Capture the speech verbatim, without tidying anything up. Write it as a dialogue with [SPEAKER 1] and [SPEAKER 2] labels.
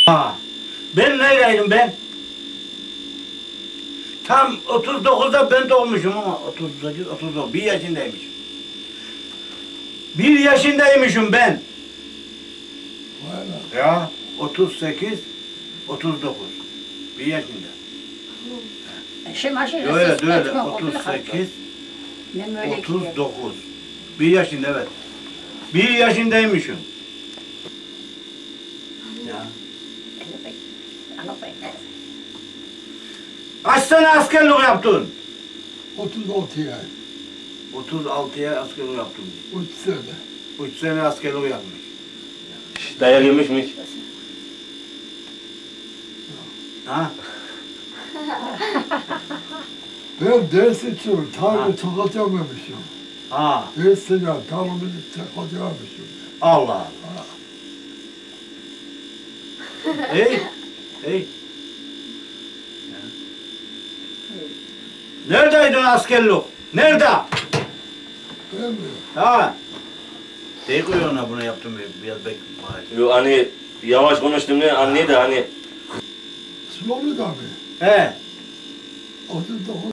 [SPEAKER 1] Ha. Ben neyleydim ben? Tam otuz dokuzda ben doğmuşum ama otuz sekiz, otuz dokuz, bir yaşındaymışım. Bir yaşındaymışım ben.
[SPEAKER 2] Vay be.
[SPEAKER 1] Ya otuz sekiz, otuz dokuz. Bir yaşında.
[SPEAKER 3] Şey maşine
[SPEAKER 1] Öyle
[SPEAKER 3] ses
[SPEAKER 1] öyle
[SPEAKER 3] etme,
[SPEAKER 1] otuz sekiz,
[SPEAKER 3] Ben böyle
[SPEAKER 1] otuz dokuz. Bir yaşında evet. Bir yaşındaymışım. Ya. Kaç sene askerlik yaptın?
[SPEAKER 2] otuz altı ay.
[SPEAKER 1] otuz altıya askerlik yaptım.
[SPEAKER 2] üç sene.
[SPEAKER 1] üç sene askerlik yapmış.
[SPEAKER 4] Dayak yemiş mi hiç?
[SPEAKER 1] Ha?
[SPEAKER 2] Ben ders içiyorum. Tarımı çakacamamışım.
[SPEAKER 1] Ha.
[SPEAKER 2] Ders içiyorum. Tarımı çakacamamışım.
[SPEAKER 1] Allah Allah. Ey, ey. Neredeydin askerlik? Nerede?
[SPEAKER 2] Ben mi?
[SPEAKER 1] Ha? Şey koyuyor ona bunu yaptım biraz bek.
[SPEAKER 4] Yo hani yavaş konuştum ne anne de hani
[SPEAKER 2] Slovlu'da mı?
[SPEAKER 1] He.
[SPEAKER 2] otuz dokuz